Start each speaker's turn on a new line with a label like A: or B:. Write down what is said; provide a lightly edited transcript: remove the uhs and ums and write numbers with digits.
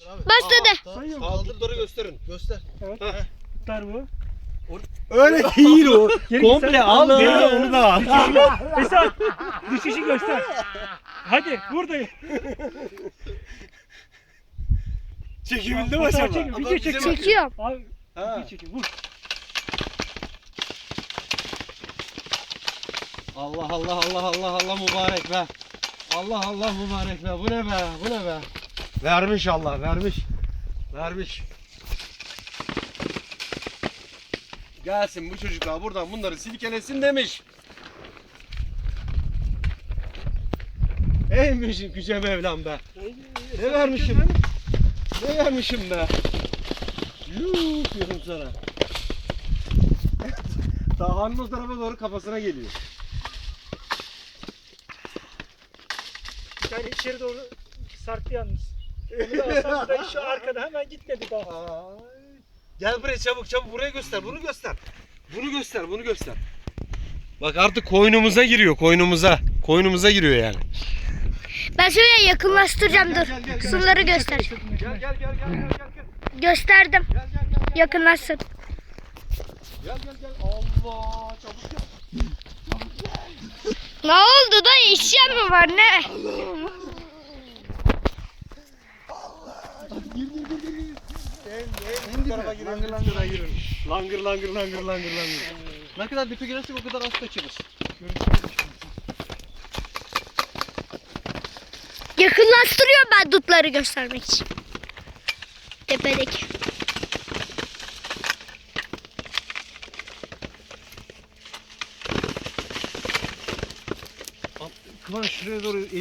A: Başladı.
B: Sayıyor.
C: Kaldırları gösterin.
B: Göster.
D: Evet.
C: Heh.
D: Tutar bu.
C: Öyle değil o.
D: Geri
C: Komple
D: gitsen-
C: al
D: Allah.
C: geri onu da al.
D: Esat. Düşüşü göster. Hadi buradayım.
C: Çekebildi mi
D: Fotoğraf
C: acaba?
D: çekin, video çekin.
A: Çekiyorum.
D: Abi
C: Ha.
D: video çekin. Vur.
C: Allah Allah Allah Allah Allah mübarek be. Allah Allah mübarek be. Bu ne be? Bu ne be? Vermiş Allah, vermiş. Vermiş. Gelsin bu çocuklar buradan bunları silkelesin demiş. Eymişim Yüce Mevlam be. Ne vermişim? Ne vermişim be? Yuh diyorum sana. Dağın o tarafa doğru kafasına geliyor.
D: Yani içeri doğru sarktı yalnız. Onu da alsam da şu arkada hemen gitmedi daha.
C: Ay. Gel buraya çabuk çabuk buraya göster bunu göster. Bunu göster bunu göster. Bak artık koynumuza giriyor koynumuza. Koynumuza giriyor yani.
A: Ben şöyle yakınlaştıracağım dur.
C: Gel, gel, gel.
A: Kısımları göster.
C: Gel.
A: Gösterdim.
C: Gel.
A: Yakınlaşsın.
C: Gel. Allah çabuk gel.
A: Ne oldu da işlem mi var ne?
C: Bu tarafa gir. Langır. Ne kadar dipe girersek o kadar az kaçırırız.
A: Yakınlaştırıyorum ben dutları göstermek için. Tepedeki.
C: Kıvanç şuraya doğru